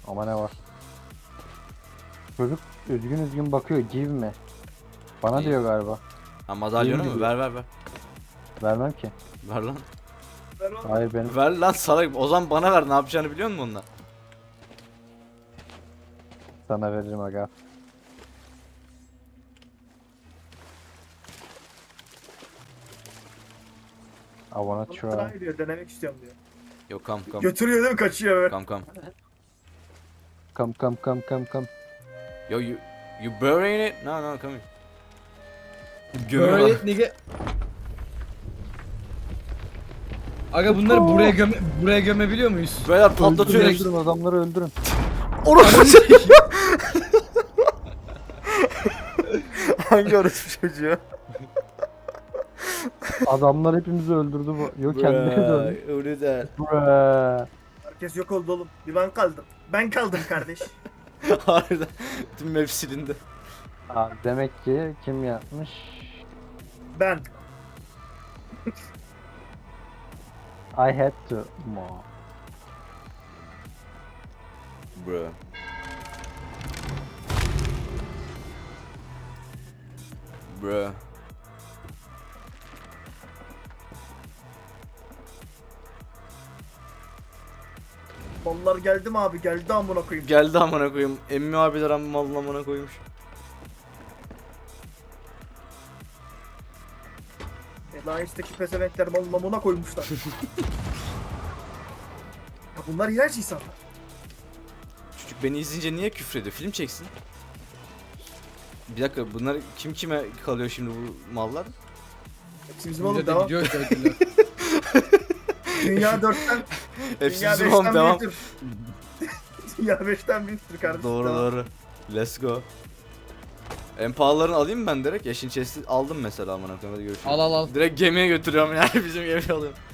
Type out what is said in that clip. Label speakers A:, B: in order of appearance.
A: Ama ne var? Çocuk üzgün üzgün bakıyor. Give me. Bana
B: İyi.
A: diyor galiba.
B: Ha madalyonu
A: Değil
B: mu?
A: mi?
B: Ver ver ver.
A: Vermem ki.
B: Ver lan.
C: Ver oğlum.
A: Hayır benim.
B: Ver lan salak. O zaman bana ver. Ne yapacağını biliyor musun onunla?
A: Sana veririm aga. I wanna
C: Bana
A: try.
C: try diyor, denemek istiyorum diyor.
B: Yok kam kam.
C: Götürüyor değil mi? Kaçıyor böyle.
B: Kam kam.
A: Come come come come come.
B: Yo you burying it? No no come here.
D: Böyle
B: Gömüyorlar.
D: nigga. Aga bunları buraya gömebiliyor muyuz?
B: Böyle patlatıyor.
A: Öldürün, öldürün adamları öldürün.
B: Orası Hangi orası çocuğu?
A: Adamlar hepimizi öldürdü bu. Yok kendini de öldü.
B: Öyle de.
A: Bruh.
C: Herkes yok oldu oğlum. Bir ben kaldım. Ben kaldım kardeş.
B: Harbiden. Tüm map silindi.
A: Aa, demek ki kim yapmış?
C: Ben.
A: I had to. Mo.
B: Bro. Bro.
C: Mallar geldi mi abi? Geldi amına koyayım.
B: Geldi amına koyayım. Emmi abiler amma malın amına koymuş.
C: Alliance'daki pezevenkler malın amına koymuşlar. Ya bunlar iğrenç insanlar.
B: Çocuk beni izleyince niye küfrediyor? Film çeksin. Bir dakika bunlar kim kime kalıyor şimdi bu mallar?
C: Hepsi bizim oğlum
D: Millete
C: devam.
D: gidiyor köylüler.
C: Dünya 4'ten,
B: Hepsi
C: dünya
B: bizim oğlum
C: 5'ten
B: devam.
C: büyüktür. Dünya 5'ten büyüktür kardeşim.
B: Doğru
C: devam.
B: doğru. Let's go. En pahalılarını alayım mı ben direkt? Eşin chest'i aldım mesela amına koyayım. Hadi görüşürüz.
D: Al al al.
B: Direkt gemiye götürüyorum yani bizim gemiye alıyorum.